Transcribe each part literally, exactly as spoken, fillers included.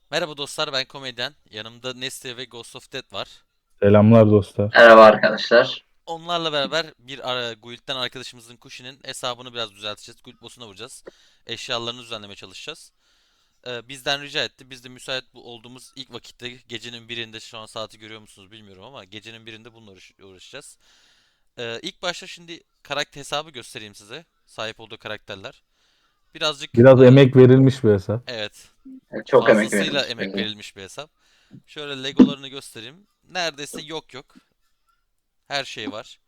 Merhaba dostlar, ben komedyen. Yanımda Nesli ve Ghost of Death var. Selamlar dostlar. Merhaba arkadaşlar. Onlarla beraber bir ara, guild'den arkadaşımızın Kushi'nin hesabını biraz düzelteceğiz. Guild boss'una vuracağız. Eşyalarını düzenlemeye çalışacağız. Ee, bizden rica etti. Biz de müsait bu olduğumuz ilk vakitte gecenin birinde, şu an saati görüyor musunuz bilmiyorum ama gecenin birinde bununla uğraş- uğraşacağız. Ee, ilk başta şimdi karakter hesabı göstereyim size. Sahip olduğu karakterler. Birazcık Biraz e, emek verilmiş bir hesap. evet, Çok emek fazlasıyla verilmiş emek belli. verilmiş bir hesap. Şöyle Legolarını göstereyim. Neredeyse yok yok. Her şey var.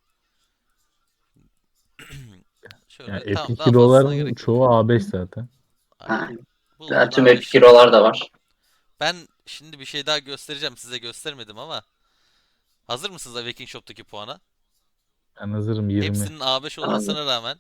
Yani Şöyle tamam, Epic daha fazlasına Hero'ların gerek yok. çoğu A beş zaten. Aynen. Ha, Bulduğun tüm Epic A beş. Hero'lar da var. Ben şimdi bir şey daha göstereceğim, size göstermedim ama hazır mısınız Awakening Shop'taki puana? Ben hazırım yirmi. Hepsinin A beş Abi. olmasına rağmen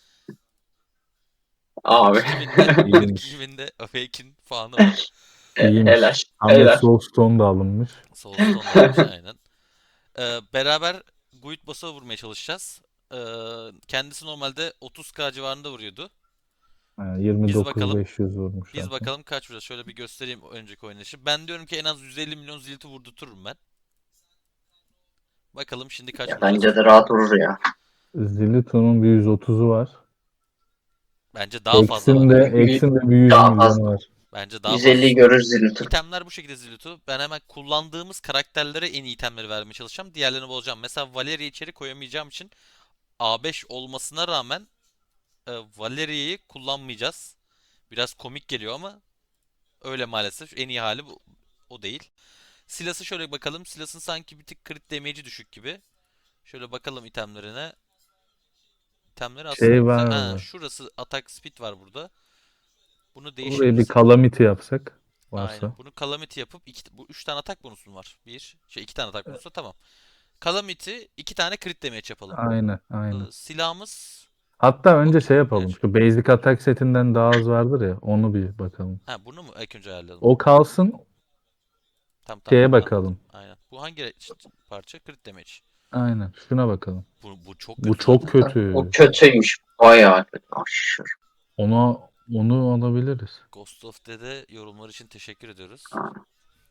Abi. kırk iki binde kırk iki İyiymiş. binde Awakening puanı var. Helal. İyiymiş. Tam da Helal. Soulstone da alınmış. Soulstone da alınmış aynen. Ee, beraber Guild Boss'a vurmaya çalışacağız. Ee, kendisi normalde otuz k civarında vuruyordu. Yani Biz bakalım. yirmi dokuz bin beş yüz vurmuş Biz zaten. bakalım kaç vuracağız. Şöyle bir göstereyim önceki oynayışı. Ben diyorum ki en az yüz elli milyon zilti vurdururum ben. Bakalım şimdi kaç Ya bence vuracağız. de rahat vurur ya. Zilito'nun bir yüz otuzu var. Bence daha fazla Eksin var. de, Y- Eksin de bir yüz Daha milyonu fazla. var. Bence daha yüz elliyi fazlası var. görür Zilliton. İtemler bu şekilde Zilutu. Ben hemen kullandığımız karakterlere en iyi itemleri vermeye çalışacağım. Diğerlerini bozacağım. Mesela Valeria'yı içeri koyamayacağım için A beş olmasına rağmen e, Valeria'yı kullanmayacağız. Biraz komik geliyor ama öyle maalesef. En iyi hali bu, o değil. Silas'ı şöyle bakalım. Silas'ın sanki bir tık crit damage'i düşük gibi. Şöyle bakalım itemlerine. İtemleri aslında Şey güzel. var Ha, mı? şurası attack speed var burada. Bunu Oraya bir değişebilirsek. Calamity yapsak. Aynen. Varsa. Bunu Calamity yapıp iki, bu üç tane atak bonusun var. Bir, şey iki tane atak bonusu tamam. Calamity iki tane crit damage yapalım. Aynen. Ee, Aynen. silahımız Hatta önce okey. şey Evet. yapalım. Şu Basic Attack setinden daha az vardır ya. Onu bir bakalım. Ha, bunu mu ilk önce ayarlayalım? O kalsın. Tamam tamam, Şeye anladım. bakalım. Aynen. Bu hangi parça? Crit damage. Aynen. Şuna bakalım. Bu, bu çok Bu kötü çok zaten. O kötü. kötüymüş. Bayağı kötü. Aşırı. Ona onu alabiliriz. Ghost of Dead'e yorumlar için teşekkür ediyoruz. Ha.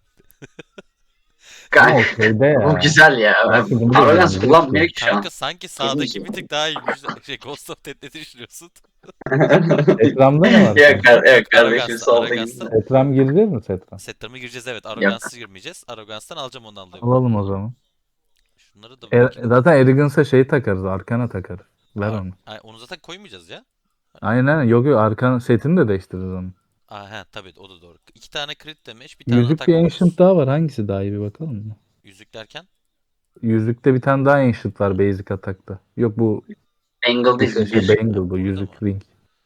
Ama Gay- o şeyde Bu ya. güzel ya. Belki bunu da Arrogance deneyecek kullanmıyor ki. ki şu Kanka an. sanki Temiz sağdaki ya. bir tık daha iyiymiş. Şey, Ghost of Dead ne düşünüyorsun? Setram'da ne var Yok, kanka? kar Yok, yok kardeşim Arrogance'da. solda Arrogance'da. gitsin. Setram gireceğiz mi Setram? Setler'ıma gireceğiz, evet. Yok. Arrogance'a girmeyeceğiz. Arrogance'dan alacağım ondan dolayı bunu. Alalım o zaman. Şunları da E, bakayım. zaten Arrogance'a şeyi takarız. Arkana takarız. Ver Ar- onu. Ay, onu zaten koymayacağız ya. Hani Aynen aynen. Yok yok. Arkan setini de değiştiririz onu. Aa, he, tabii o da doğru. İki tane crit damage, bir tane Yüzük atak bir Ancient bonus. daha var. Hangisi daha iyi bir bakalım mı? Yüzük derken. Yüzükte bir tane daha Ancient var Basic Attack'ta. Yok bu Angle bu değil şey, mi? şey Bir. Ha, Bangle bu. burada mı? Yüzük Ring.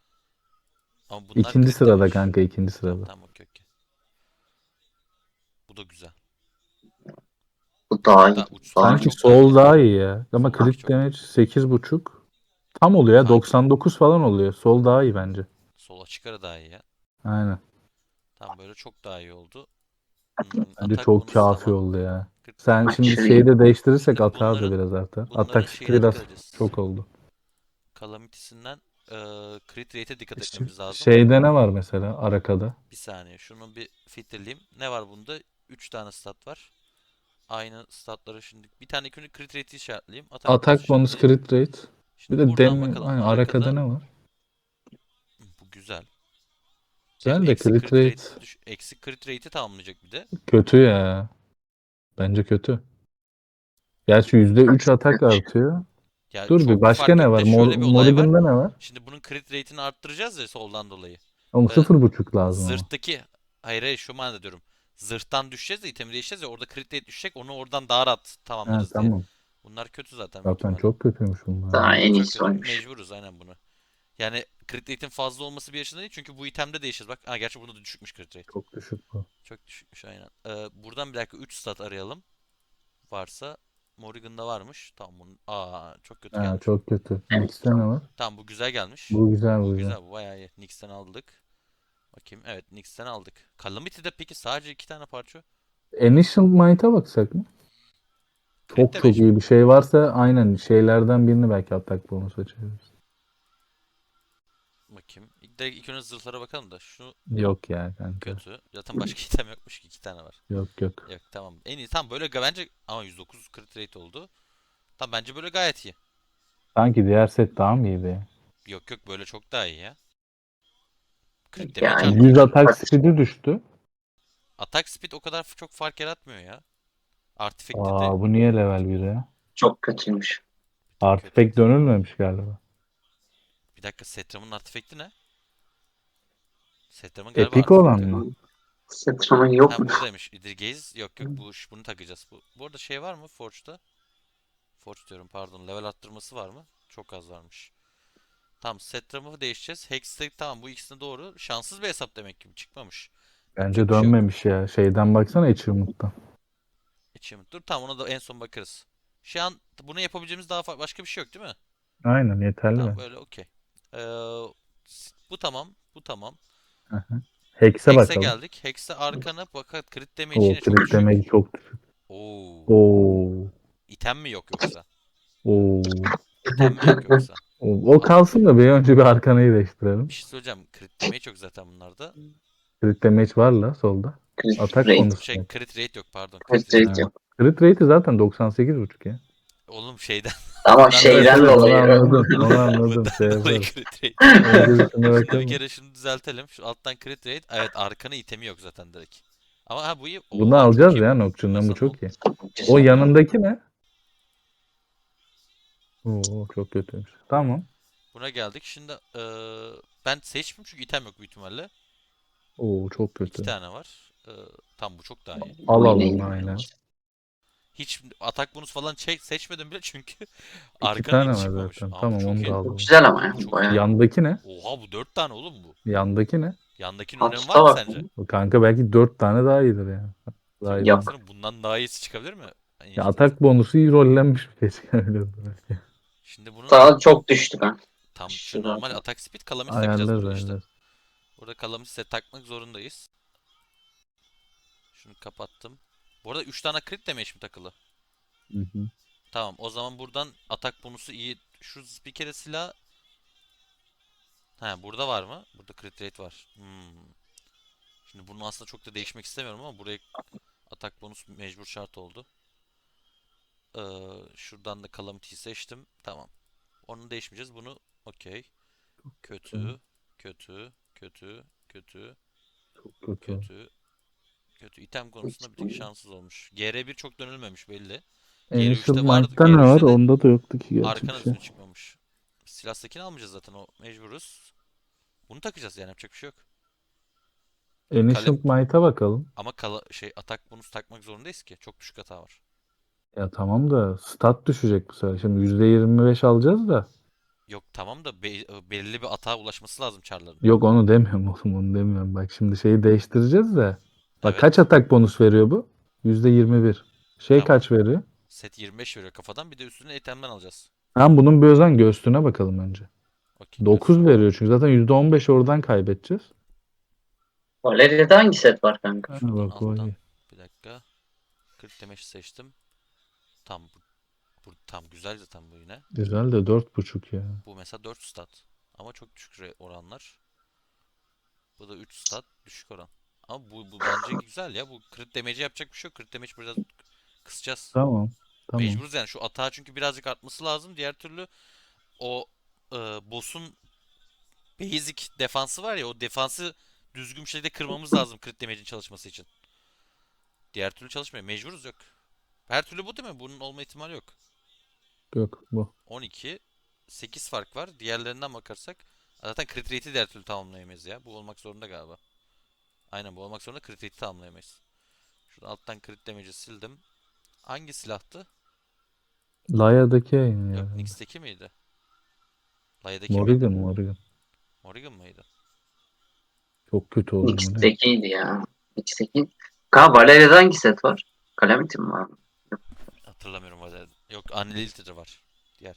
Ama bunlar İkinci crit sırada damage. kanka. ikinci Tamam sırada. tamam, okey okey. Bu da güzel. Bu daha iyi. Da uç, Daha bunlar iyi. Sanki çok daha Soul iyi. daha iyi ya. Ama Soldaki crit çok iyi. damage sekiz buçuk. Tam oluyor ya. Sanki doksan dokuz falan oluyor. Sol daha iyi bence. sol açık ara daha iyi ya. Aynen. Tam böyle çok daha iyi oldu. Hmm, Bence atak çok bonus kafi tamam. oldu ya. crit Sen damage. şimdi Aşırı iyi. şeyi de değiştirirsek Şimdi atar da bunların biraz artar. bunların Atak speed şeyine biraz dikkat edeceğiz. çok oldu. Calamity'sinden eee crit rate'e dikkat Ş- etmemiz lazım. Şeyde ne var mesela Araka'da? Bir saniye şunu bir filtreleyeyim. Ne var bunda? Üç tane stat var. Aynı statları şimdi. Bir tane ilk önce crit rate'i işaretleyeyim. Atak bonus Atak bonus işaretleyeyim. crit rate. Bir Şimdi de buradan dem bakalım aynen, Araka'da Araka'da. ne var? Bu güzel. Hem Güzel de eksi crit crit rate rate düş eksi crit rate'i tamamlayacak bir de. kötü ya. Bence kötü. Gerçi yüzde üç atak artıyor. Ya Dur bir çok bir başka fark ne yok var? da Mor şöyle bir olay var. Morrigan'da ne var? Şimdi bunun crit rate'ini arttıracağız ya soldan dolayı. Oğlum Ee, sıfır buçuk lazım ama. zırhtaki hayır hayır şu manada diyorum. Zırhtan düşeceğiz de itemi değişeceğiz ya, orada crit rate düşecek, onu oradan daha rahat Ha, tamamlarız diye. tamam. Bunlar kötü zaten büyük Zaten ihtimalle. çok kötüymüş bunlar Daha ya. Bunlar en çok iyisi kötü. oymuş. Mecburuz aynen bunu. Yani crit rate'in fazla olması bir yaşında değil çünkü bu itemde değişir. Bak, ha gerçi bunda da düşükmüş crit rate. Çok düşük bu. Çok düşükmüş aynen. Ee, buradan bir dakika üç stat arayalım. Varsa Morrigan'da varmış. Tamam bunun. Aa, çok kötü Ha, gelmiş bu. çok kötü. Evet, Nix'te ne var? Tamam, bu güzel gelmiş. Bu güzel bu Bu güzel. güzel, bu bayağı iyi. Nyx'ten aldık. Bakayım, evet Nyx'ten aldık. Calamity'de peki sadece iki tane parça. Ancient Might'a baksak mı? Crit Çok çok damage mi? iyi bir şey varsa aynen şeylerden birini belki atak bonus açabiliriz. Bakayım. direkt ilk önce zırhlara bakalım da. Şu Yok ya kanka. kötü. Zaten başka item yokmuş ki. iki tane var. Yok yok. Yok tamam. En iyi tam böyle ga- bence ama yüz dokuz crit rate oldu. Tam bence böyle gayet iyi. Sanki diğer set daha mı iyiydi ya? Yok yok böyle çok daha iyi ya. Crit damage Yani yüz arttı. atak speed'i düştü. Attack speed o kadar f- çok fark yaratmıyor ya. Artifact'i de Aa, bu niye level bir ya? çok kötüymüş. bir tık Artifact kötüydü. dönülmemiş galiba. Bir dakika Setram'ın artifact'i ne? Setram'ın galiba Epik olan artifact'i yok. mı? Setramın Ha yokmuş. buradaymış. Idrigaze. Yok yok bu bunu takacağız. Bu, bu arada şey var mı Forge'da? Forge diyorum pardon. Level arttırması var mı? Çok az varmış. Tamam Setram'ı değişeceğiz. Hextech tamam bu ikisine doğru. Şanssız bir hesap demek ki çıkmamış. Bence Yapacak bir şey yok. dönmemiş ya. Şeyden baksana Achievement'tan. Achievement. Dur tamam ona da en son bakarız. Şu an bunu yapabileceğimiz daha fa- başka bir şey yok değil mi? Aynen yeterli Tamam bence. böyle okey. Ee, s- bu tamam. Bu tamam. Hı hı. Hex'e Hex'e bakalım. geldik. Hex'e arkana fakat crit damage O yine çok crit düşük. damage çok düşük. Oo. Oo. İtem mi yok yoksa? Oo. İtem mi yok yoksa? O, o Al. kalsın da bir önce bir arkanayı değiştirelim. Bir şey söyleyeceğim. Crit damage yok zaten bunlarda. Crit damage var la solda. Crit Atak rate. bonusu Şey yok. crit rate yok pardon. Crit Crit rate rate yok. Ha. yok. Crit rate'i zaten doksan sekiz buçuk ya. Oğlum şeyden Ama bundan Evet şeyden evet onu dolayı. anladım. Onu anladım. Şey bundan dolayı yaparız. crit rate. Önce bir şuna Şimdi bir bakalım. kere şunu düzeltelim. Şu alttan crit rate. Evet arkanı itemi yok zaten direkt. Ama ha bu iyi. Bunu Oha çok alacağız iyi ya bu. Nocturne'dan bu Mesela no- çok iyi. O Güzel. yanındaki ne? Oo çok kötüymüş. Tamam. buna geldik. Şimdi eee, ben seçmeyeyim çünkü item yok büyük ihtimalle. Oo çok İki kötü. tane var. Eee tam bu çok daha iyi. Al Bu al yine onu iyi. aynen. Hiç atak bonus falan çek, seçmedim bile çünkü İki arkanın tane hiç var çıkmamış. zaten. Aa bu Tamam çok onu da iyi. Çok alalım. güzel ama ya. Bu çok iyi. Bayağı. Yandaki ne? Oha bu dört tane oğlum bu. Yandaki ne? Yandakinin önemi var Altta mı bak. sence? O kanka belki dört tane daha iyidir yani. Daha iyi Yok olmaz. Yok. baksana bundan daha iyisi çıkabilir mi? Ya Infinite. atak bonusu iyi rollenmiş bir şey çıkabilir belki. Şimdi bunun Daha çok düştü ben. tam şu Aşırı normal zaten. atak speed calamity takacağız Ayarlarız burada işte. ayarlarız. Burada calamity set takmak zorundayız. Şunu kapattım. Bu arada üç tane crit damage mi takılı? Hı hı. Tamam o zaman buradan atak bonusu iyi. Şu bir kere silah. He burada var mı? Burada crit rate var. Hmm. Şimdi bunu aslında çok da değişmek istemiyorum ama buraya atak bonus mecbur şart oldu. Ee, şuradan da calamity'yi seçtim. Tamam. Onu değişmeyeceğiz. Bunu okey. Tamam. Kötü. Kötü. Kötü. Kötü. Kötü. Kötü. Kötü. İtem konusunda bir tık şanssız olmuş. G R bir çok dönülmemiş belli. Initial G R üçte vardı. Mind'da ne var? G R üçte de Onda da yoktu ki gerçi bir arkana şey. düzgün çıkmamış. Silah skin almayacağız zaten o mecburuz. Bunu takacağız yani yapacak bir şey yok. Kale Initial Mind'a bakalım. ama kala şey atak bonus takmak zorundayız ki. Çok düşük hata var. Ya tamam da stat düşecek bu sefer. Şimdi yüzde yirmi beş alacağız da. Yok tamam da be- belirli bir atağa ulaşması lazım çarların. Yok onu demiyorum oğlum onu demiyorum. Bak şimdi şeyi değiştireceğiz de. Bak kaç Evet. atak bonus veriyor bu? yüzde yirmi bir. Şey Tamam. kaç veriyor? Set yirmi beş veriyor kafadan. Bir de üstüne itemden alacağız. Tamam bunun bir özen göğsüne bakalım önce. Okey dokuz göğsüne. veriyor çünkü zaten yüzde on beş oradan kaybedeceğiz. Valeria'da hangi set var kanka? Ha, Şuradan bak o alttan. iyi. Bir dakika. kırk demeç seçtim. Tam bu, bu tam güzel zaten bu yine. Güzel de dört buçuk ya. Bu mesela dört stat. Ama çok düşük re- oranlar. Bu da üç stat düşük oran. Ama bu, bu bence güzel ya. Bu crit damage'e yapacak bir şey yok. Crit damage biraz kısacağız. Tamam. Tamam. Mecburuz yani. Şu atağı çünkü birazcık artması lazım. Diğer türlü o e, boss'un basic defansı var ya o defansı düzgün bir şekilde kırmamız lazım crit damage'in çalışması için. Diğer türlü çalışmıyor. Mecburuz yok. Her türlü bu değil mi? Bunun olma ihtimali yok. Yok bu. on iki. sekiz fark var. Diğerlerinden bakarsak. Zaten crit rate'i diğer türlü tamamlayamayız ya. Bu olmak zorunda galiba. Aynen bu olmak zorunda crit rate'i tamamlayamayız. Şuradan alttan crit damage'i sildim. Hangi silahtı? Laya'daki yayın Yok ya. Nyx'teki miydi? Laia'daki miydi? Morrigan Morrigan. Morrigan mıydı? Çok kötü oğlum bu ne? X'tekiydi ya. X'teki. Kanka Valeria'da hangi set var? Calamity mi var? Hatırlamıyorum valla. Yok Unlimited var. Diğer.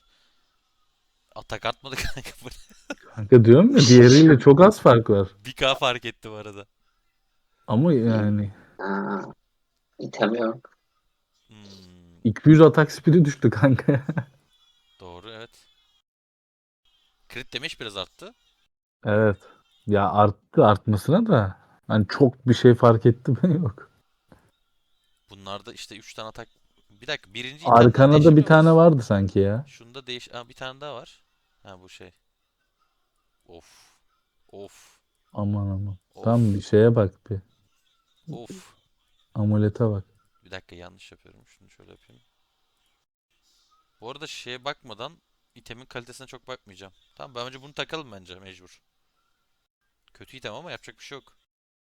Atak artmadı kanka bu. Kanka diyorum ya diğeriyle çok az fark var. bir K fark etti bu arada. Ama yani Ha, item yok. Hmm, iki yüz atak speed'i düştü kanka. doğru evet. Crit damage biraz arttı. Evet. Ya arttı artmasına da. Hani çok bir şey fark etti mi? Yok. Bunlarda işte üç tane atak. Bir dakika, birinci itemden Arkana da bir değişemiyor tane muyuz? vardı sanki ya. Şunda değiş... Aa, bir tane daha var. Ha, bu şey. Of. Of. Aman aman. Tam bir Of. şeye bak bir. Of. Amulete bak. Bir dakika, yanlış yapıyorum. Şunu şöyle yapayım. Bu arada şeye bakmadan itemin kalitesine çok bakmayacağım. Tamam, ben önce bunu takalım bence mecbur. Kötü item ama yapacak bir şey yok.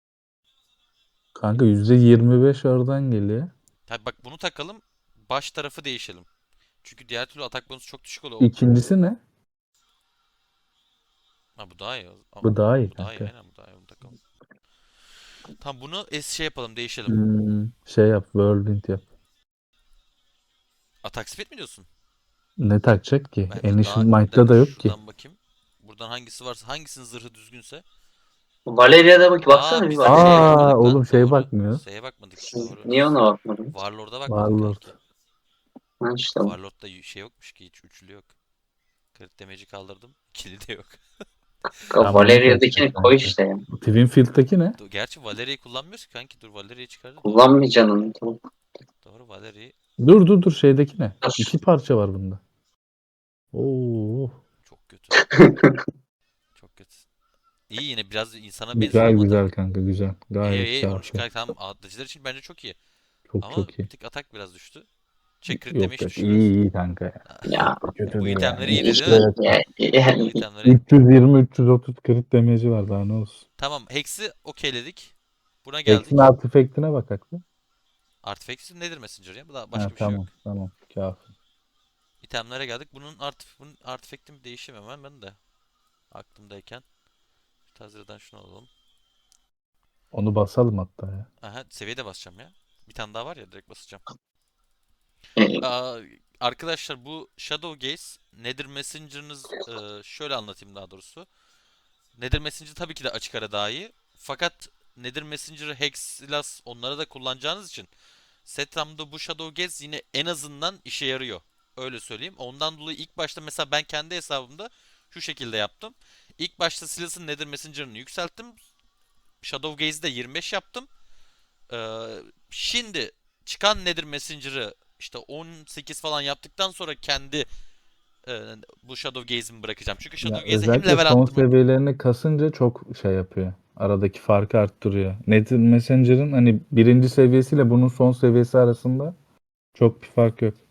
Kanka yüzde yirmi beş oradan geliyor. Tabi bak, bunu takalım. Baş tarafı değişelim. Çünkü diğer türlü atak bonusu çok düşük oluyor. İkincisi ne? Ha, bu daha iyi. Ama Bu daha iyi bu daha iyi, kanka. aynen, bu daha iyi. Bunu takalım. Tamam, bunu es şey yapalım, değişelim. Hmm, şey yap. Whirlwind yap. Atak speed mi diyorsun? Ne takacak ki? Bence daha... Ancient Bir Might'ta dakika, da yok ki. şuradan bakayım. Buradan hangisi varsa, hangisinin zırhı düzgünse. Valeria'da bak baksana Aa, bir biz şeye Valeria. Aa bakmadık oğlum lan. şeye Doğru. bakmıyoruz. Şeye bakmadık. Doğru. Niye ona bakmadın? Warlord'a bakmadık Warlord. kanki. Ha işte bu. Warlord'da y- şey yokmuş ki, hiç üçlü yok. Crit damage'i kaldırdım. İkili de yok. Kanka, Tamam onu seçtik Valeria'dakini koy kanka. işte ya. Twinfield'daki ne? Dur, gerçi Valeria'yı kullanmıyoruz ki kanki. Dur, Valeria'yı çıkardı. Doğru. Kullanmayacaksın onu. Tamam. Doğru, Valeria'yı. Dur dur dur şeydeki ne? Dur. İki parça var bunda. Oo. Çok kötü. Çok kötü. İyi, yine biraz insana benziyor Güzel ama güzel atak. kanka güzel. İyi Gayet iyi, onu kafi. çıkar. Tamam, atlıcılar için bence çok iyi. Çok Ama çok bir iyi. tık atak biraz düştü. Şey, crit Yok damage yok düştü iyi biraz. iyi kanka ya. Ya Çok da kötü Bu değil itemleri yani. iyiydi işte değil mi? Evet. ya- Bu yani itemleri. üç yüz yirmi üç yüz otuz crit damage'i var daha ne olsun. Tamam, Hex'i okeyledik. Buna Hex'in geldik. artifact'ine bak aklı. Artifact nedir Messenger ya? Bu da Ha başka bir şey yok. tamam tamam kafi. İtemlere geldik. Bunun art bunun artifact'in bir değişimi hemen ben de aklımdayken. Tazira'dan şunu alalım. Onu basalım hatta ya. Aha, seviye de basacağım ya. Bir tane daha var ya, direkt basacağım. e, Aa, arkadaşlar, bu Shadow Gaze Nether Messenger'ınız, e, şöyle anlatayım daha doğrusu. Nether Messenger tabii ki de açık ara daha iyi. Fakat Nether Messenger'ı Hex, Silas, onları da kullanacağınız için Setram'da bu Shadow Gaze yine en azından işe yarıyor. Öyle söyleyeyim. Ondan dolayı ilk başta mesela ben kendi hesabımda şu şekilde yaptım. İlk başta Silas'ın Nether Messenger'ını yükselttim. Shadow Gaze'i de yirmi beş yaptım. Ee, şimdi çıkan Nether Messenger'ı işte on sekiz falan yaptıktan sonra kendi e, bu Shadow Gaze'imi bırakacağım. Çünkü Ya Shadow Gaze'e hem özellikle level son arttırmak... seviyelerini kasınca çok şey yapıyor. Aradaki farkı arttırıyor. Net Messenger'ın hani birinci seviyesiyle bunun son seviyesi arasında çok bir fark yok.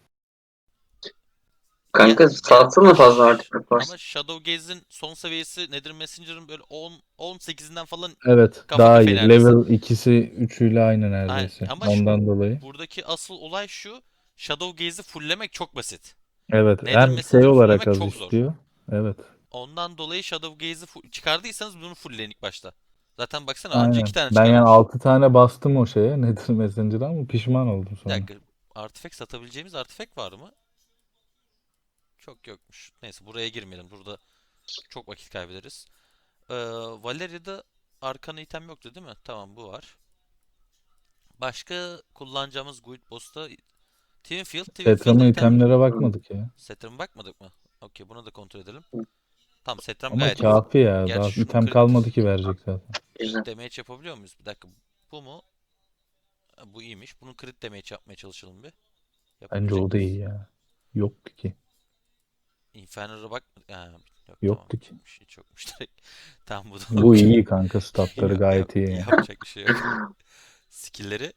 Ya, kanka ya satsana fazla artifact ama varsa. Shadow Gaze'in son seviyesi Nether Messenger'ın böyle on on sekizinden falan Evet kafa daha kafaya iyi. neredeyse. Level ikisi üçüyle aynı Aynen. neredeyse. Ama şu, Ondan dolayı. buradaki asıl olay şu. Shadow Gaze'i fulllemek çok basit. Evet Nether hem şey Messenger'ı olarak fulllemek az çok zor. istiyor. Evet. Ondan dolayı Shadow Gaze'i fu- çıkardıysanız bunu fullleyin ilk başta. Zaten baksana, anca iki Aynen. tane Ben yani çıkarmış. altı tane bastım o şeye Nether Messenger'a ama pişman oldum Bir sonra. dakika. Artifact satabileceğimiz artifact var mı? Çok yokmuş. Neyse, buraya girmeyelim. Burada çok vakit kaybederiz. Ee, Valeria'da arkana item yoktu değil mi? Tamam, bu var. Başka kullanacağımız Guild Boss'ta Twinfield. Twinfield'ın Tetrama item... itemlere Hı. bakmadık ya. Setram'a bakmadık mı? Okey, bunu da kontrol edelim. Tamam, Setram Ama gayet iyi. kafi ya. Daha Gerçi şu item crit, kalmadı ki verecek zaten. Güzel. crit damage yapabiliyor muyuz? Bir dakika. Bu mu? Ha, bu iyiymiş. Bunun crit damage yapmaya çalışalım bir. Bence Yapabilecek o da miyiz? iyi ya. Yoktu ki. Inferno'ya bak. Ha, yok, tamam, Yoktu hiç ki. yokmuş. Hiç yokmuş direkt. Tamam, bu da Bu okey. iyi kanka. Statları Yap, yap, gayet iyi ya. yapacak bir şey yok. Skill'leri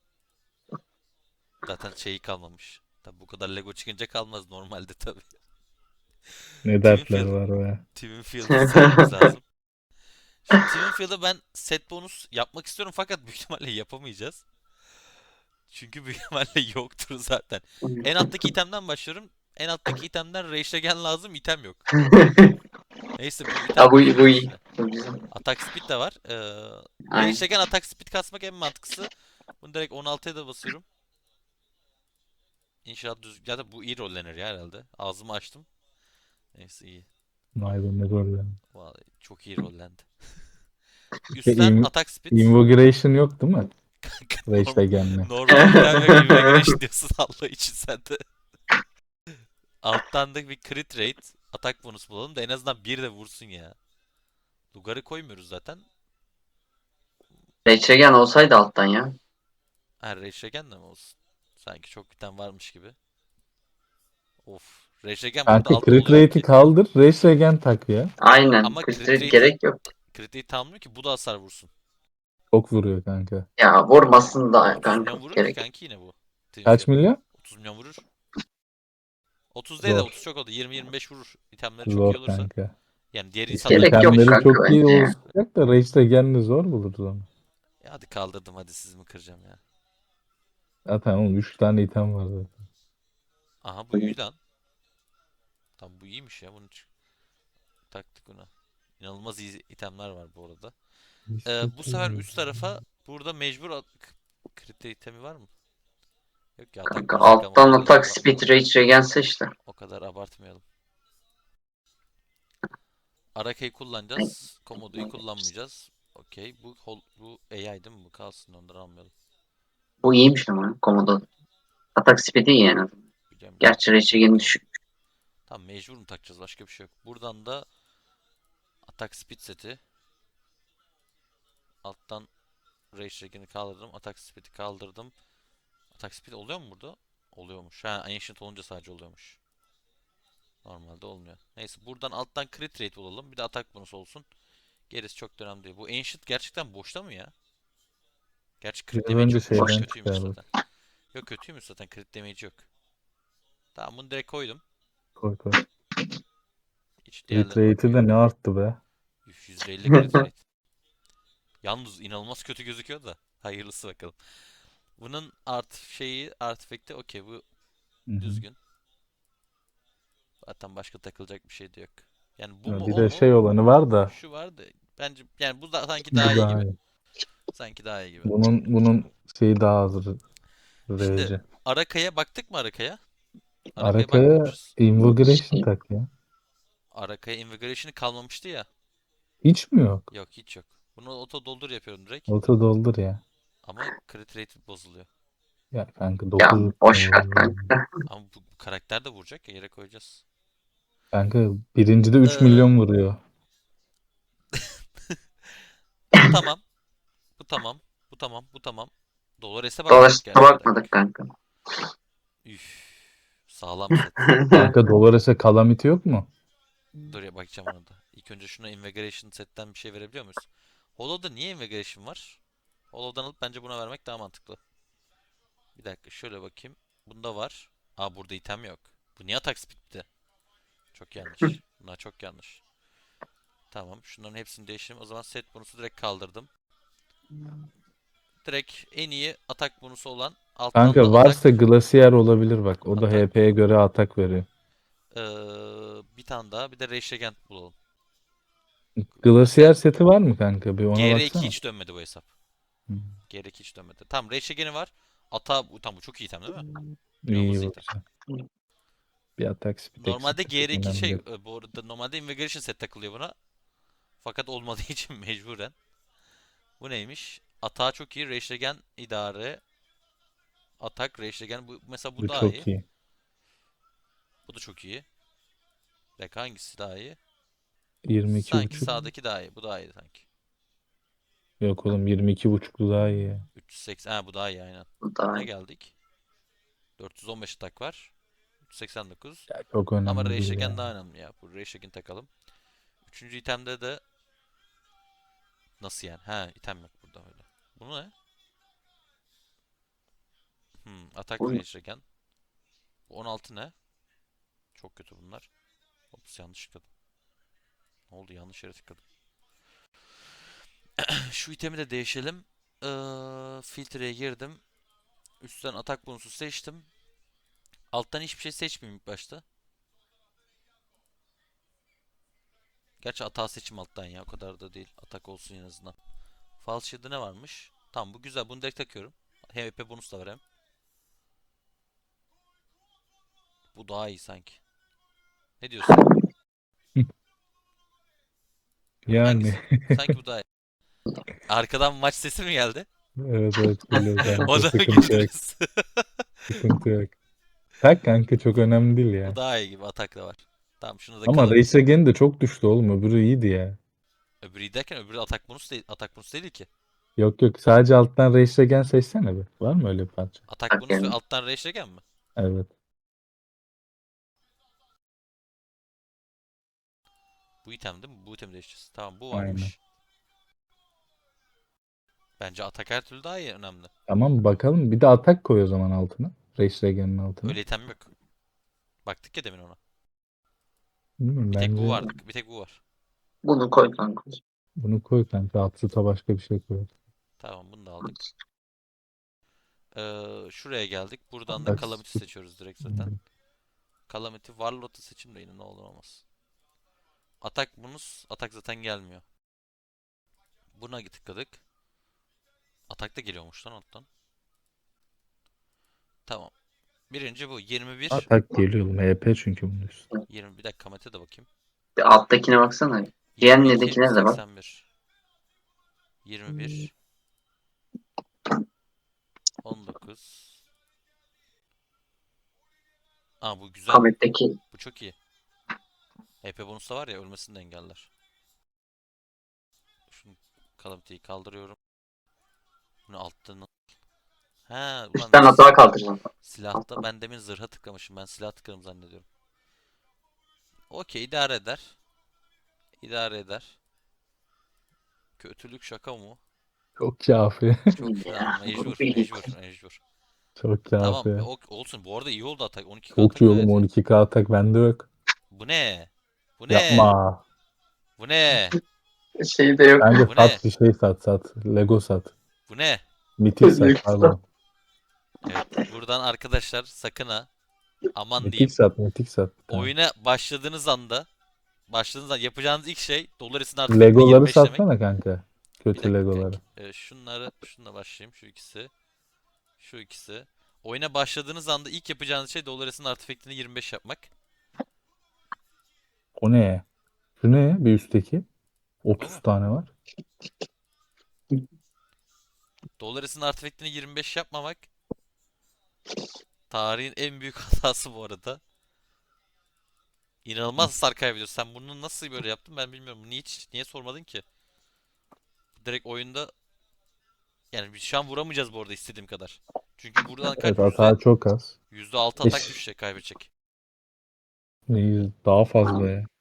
zaten şeyi kalmamış. Tabi bu kadar Lego çıkınca kalmaz normalde tabi. Ne dertler Twinfield, var o ya. Twinfield'ı sevmemiz lazım. Şimdi Twinfield'a ben set bonus yapmak istiyorum fakat büyük ihtimalle yapamayacağız. Çünkü büyük ihtimalle yoktur zaten. En alttaki itemden başlıyorum. En alttaki itemden Rage lazım, item yok. Neyse, bu Ha item bu, bu bozulmaz iyi. işte. Bu güzel. Attack speed de var. Ee, Aynen. Rage Attack speed kasmak en mantıklısı. Bunu direkt on altıya da basıyorum. İnşallah düz... Ya da bu iyi rollenir ya herhalde. Ağzımı açtım. Neyse, iyi. Vay be ne gol ya. Vallahi çok iyi rollendi. E, Üstten in- attack speed. Invocation yok değil mi? Rage Norm Legend'le. normal item yok. Immigration diyorsun Allah için sen de. Alttan da bir crit rate. Atak bonus bulalım da en azından bir de vursun ya. Lugar'ı koymuyoruz zaten. Reçegen olsaydı alttan ya. Ha, Reşregen de mi olsun? Sanki çok biten varmış gibi. Of. Reşregen burada Kanka altta crit oluyor mu rate'i ki? kaldır. Rage Regen tak ya. Aynen. Ama crit Filtre rate'i gerek yok. crit rate'i almıyor ki bu da hasar vursun. Çok vuruyor kanka. Ya vurmasın da otuz kanka milyon vurur ki gerek yok. kanki yine bu. Team Kaç fiyatı. milyon? otuz milyon vurur. otuz değil de Zor. otuz çok oldu. yirmi yirmi beş vurur. İtemleri çok iyi Zor olursa. kanka. Yani diğer İşte insanlar Gerek yok yirmi beş itemleri vuruyor. kanka çok iyi bence ya. olacak da Rage Regen'le zor buluruz onu. Ya hadi kaldırdım, hadi siz mi kıracağım ya. Zaten oğlum üç tane item var zaten. Aha bu iyi lan. Tam bu iyiymiş ya, bunu ç- taktık buna. İnanılmaz iyi itemler var bu arada. Ee, bu sefer üst tarafa burada mecbur at- k- krite itemi var mı? Yok ya, atak Kanka bonus takalım, o alttan kadar atak aba- speed reçegen seç de. o kadar abartmayalım. Araka'yı kullanacağız. Komodo'yu kullanmayacağız. Okey. Bu hol, bu A I değil mi? Bu kalsın, ondan almayalım. Bu iyiymiş ama Komodo. Atak speed'i iyi yani. Biliyorum biliyorum. Gerçi reçegeni Takalım. düşük. Tamam, mecbur mu takacağız? Başka bir şey yok. Buradan da atak speed seti. Alttan Rage Dragon'ı kaldırdım. Atak speed'i kaldırdım. Atak speed oluyor mu burada? Oluyormuş. Ha, Ancient olunca sadece oluyormuş. Normalde olmuyor. Neyse, buradan alttan crit rate bulalım. Bir de atak bonus olsun. Gerisi çok da önemli değil. Bu Ancient gerçekten boşta mı ya? Gerçi crit Biraz damage önce yokmuş. Boş. şeyden Kötüymüş çıkardık. zaten. Yok, kötüymüş zaten. Crit damage yok. Tamam, bunu direkt koydum. Koy koy. Hiç Crit diğerlerine rate'i bakmayayım. de ne arttı be. Üf, yüzde elli crit rate. Yalnız inanılmaz kötü gözüküyor da. Hayırlısı bakalım. Bunun art şeyi, artifact'i okey, bu Hı hı. düzgün. Zaten başka takılacak bir şey de yok. Yani bu Ya mu bir o de mu? şey olanı var da Şu vardı. Bence yani bu da sanki daha bu iyi daha gibi. iyi. Sanki daha iyi gibi. Bunun bunun şeyi daha az Şimdi Rage. Araka'ya baktık mı, Araka'ya? Araka'ya Arkaya bakmamışız. Invigoration Şey, tak ya. Araka'ya Invigoration'ı kalmamıştı ya. Hiç mi yok? Yok, hiç yok. Bunu auto doldur yapıyorum direkt. Auto doldur ya. Ama crit rate bozuluyor. Ya kanka ya dokuz mu boş ver vuruyor? kanka. Ama bu, bu karakter de vuracak ya, yere koyacağız. Kanka birincide üç Ee, milyon vuruyor. bu tamam. Bu tamam. Bu tamam. Bu tamam. Dolores'e bakmadık Dolaşta gerçi, bir bakmadık dakika. kanka. Üf. Sağlam set. Kanka Dolores'e Calamity yok mu? Dur ya, bakacağım ona da. İlk önce şuna Invigoration setten bir şey verebiliyor muyuz? Hollow'da niye Invigoration var? Hollow'dan alıp bence buna vermek daha mantıklı. Bir dakika, şöyle bakayım. Bunda var. Aa, burada item yok. Bu niye atak speed'ti? Çok yanlış. Bunlar çok yanlış. Tamam, şunların hepsini değiştireyim. O zaman set bonusu direkt kaldırdım. Direkt en iyi atak bonusu olan, alttan da Kanka atak varsa Glacier olabilir bak. O da atak H P'ye göre atak veriyor. Ee, bir tane daha, bir de Rage Regent bulalım. Bu Glacier set seti var mı kanka? Bir ona G R iki baksana. hiç dönmedi bu hesap. Hı. G R iki hiç dönmedi. Tamam, Rage Regent'i var. Ata bu, tam bu çok iyi item değil mi? İnanılmaz İyi iyi bu item. güzel. Bir atak speed Normalde eksikti. G R iki Önemli şey değil. e, bu arada normalde Invigoration set takılıyor buna. Fakat olmadığı için mecburen. Bu neymiş? Atağı çok iyi. Rage Regent idare. Atak Rage Regent. Bu, mesela bu Bu daha iyi. çok iyi. Bu da çok iyi. Bir dakika, hangisi daha iyi? yirmi iki Sanki buçuk. sağdaki daha iyi. Bu daha iyi sanki. Yok oğlum yirmi iki buçuklu daha iyi ya. üç yüz seksen. Ha, bu daha iyi aynen. Bu da Ne geldik? dört yüz on beş atak var. üç yüz seksen dokuz. Ya çok Ama önemli değil Reishagen ya. daha önemli ya. Bu Reishagen takalım. Üçüncü itemde de nasıl yani? Ha, item yok burada öyle. Bu ne? Hmm, atak bu Reishagen. Bu on altı ne? Çok kötü bunlar. Ops, yanlış tıkladım. Ne oldu? Yanlış yere tıkladım. Şu itemi de değişelim. Ee, filtreye girdim. Üstten atak bonusu seçtim. Alttan hiçbir şey seçmeyeyim ilk başta. Gerçi atağı seçim alttan ya. O kadar da değil. Atak olsun en azından. False Shield'da ne varmış? Tamam, bu güzel. Bunu direkt takıyorum. H P bonus da var hem. Bu daha iyi sanki. Ne diyorsun? Yani Hangisi? Sanki bu daha iyi. Arkadan maç sesi mi geldi? evet evet geliyor O kanka. da mı Sıkıntı yok. girdiniz? Sıkıntı yok. Tak kanka çok önemli değil Bu ya. daha iyi gibi. Atak da var. Tamam, şunu da Ama kalır. Reis Again de çok düştü oğlum. Öbürü iyiydi ya. Öbürü derken öbürü atak bonus değil, atak bonus değil ki. Yok yok, sadece alttan Reis Regen seçsene bir. Var mı öyle bir parça? Atak bonus ve Hakem. alttan rage regen mi? Evet. Bu item değil mi? Bu itemi değiştireceğiz. Tamam bu Aynen. varmış. Bence atak her türlü daha iyi önemli. Tamam, bakalım. Bir de atak koy o zaman altına. Reis Regen'in altına. Öyle item yok. Baktık ya demin ona. Bilmiyorum, Bir tek bu bence vardı. Bir tek bu var. Bunu koy kanka. bunu koy kanka. Absut'a başka bir şey koy. Tamam bunu da aldık. Ee, şuraya geldik. Buradan da Bak, Calamity seçiyoruz direkt zaten. Calamity Warlord'u seçim de yine ne olur olmaz. Atak bonus. Atak zaten gelmiyor. Buna tıkladık. Atak da geliyormuş lan alttan. Tamam. Birinci bu. yirmi bir. atak geliyor oğlum. H P çünkü bunun üstü. yirmi bir dakika Kamet'e de bakayım. Bir alttakine baksana. yirmi iki. Diğerindekine de bak. seksen bir. yirmi bir. on dokuz. Aa bu güzel. Kamet'teki Bu çok iyi. H P bonus da var ya ölmesini de engeller. Şunu Calamity'yi kaldırıyorum. Bunu alttan. Ha ulan üstten hata kaldıracağım. silahta ben demin zırha tıklamışım. Ben silah tıkladım zannediyorum. Okey idare eder. İdare eder. Kötülük şaka mı? Çok kafi. Çok Ya, falan mecbur bu iyi. mecbur mecbur. Çok Tamam kafi. o- olsun bu arada iyi oldu atak. on iki K Çok atak iyi oğlum. gayet iyi. on iki K atak bende yok. Bu ne? Bu ne? Yapma. Bu ne? Şey de yok. Bence Bu ne? sat, bir şey sat sat. Lego sat. Bu ne? Mitik sat, Lego pardon. Evet buradan arkadaşlar sakın ha aman Mitik diyeyim. sat, mitik sat. Tamam. Oyuna başladığınız anda başladığınız anda yapacağınız ilk şey Dolaris'in artifact'ini Legoları yirmi beş demek. satsana kanka. Bir Kötü dakika Legoları. kanki. Ee, şunları şununla başlayayım şu ikisi. Şu ikisi. Oyuna başladığınız anda ilk yapacağınız şey Dolaris'in artifact'ini yirmi beş yapmak. O ne? Şu ne? Bir üstteki. Bu otuz mu? tane var. Dolaris'in artifact'ini yirmi beş yapmamak tarihin en büyük hatası bu arada. İnanılmaz hasar kaybediyorsun. Sen bunu nasıl böyle yaptın ben bilmiyorum. Niye hiç niye sormadın ki? Direkt oyunda yani biz şu an vuramayacağız bu arada istediğim kadar. Çünkü buradan Evet, kaç yüzde hata çok az. yüzde altı atak düşecek kaybedecek. Neyiz? Daha fazla ya.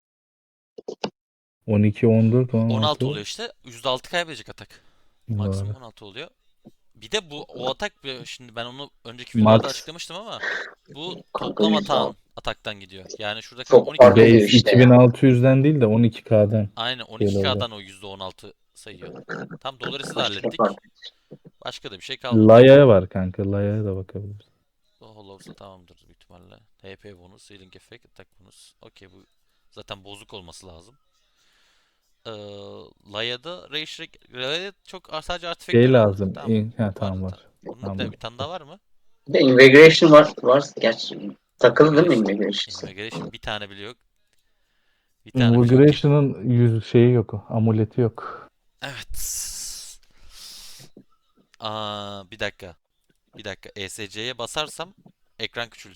on iki, on dört, on altı on altı. oluyor işte. yüzde altı kaybedecek atak. Maksimum Doğru. on altı oluyor. Bir de bu o atak şimdi ben onu önceki videolarda Max. açıklamıştım ama bu Kanka toplam yüzde atağın altı. ataktan gidiyor. Yani şurada kaç Çok on iki K fark ediyor oldu. Base işte ya. iki bin altı yüzden değil de on iki K'dan Aynen on iki şey K'dan olacak. o yüzde on altı sayıyor. Tam Dolores'i de Aşırı fark hallettik. ediyor. Başka da bir şey kalmadı. Laya'ya var kanka. Laya'ya da bakabiliriz. O Hollows'da tamamdır büyük ihtimalle. H P bonus, healing effect, attack bonus. Okey bu zaten bozuk olması lazım. Ee, Laya'da Rage Laya'da çok sadece artifact Şey görüyorum. lazım. Tamam. İn- Ha, Vardı tamam ta. var. Bunun bir, de, Tamam. bir tane daha var mı? Bir de Invigoration var. var. Gerçi takılı değil mi Immigration. Invigoration? Immigration bir tane bile yok. Bir tane bile yok ki. Immigration'ın yüz şeyi yok. Amuleti yok. Evet. Aa, bir dakika. Bir dakika. E S C'ye basarsam ekran küçülür.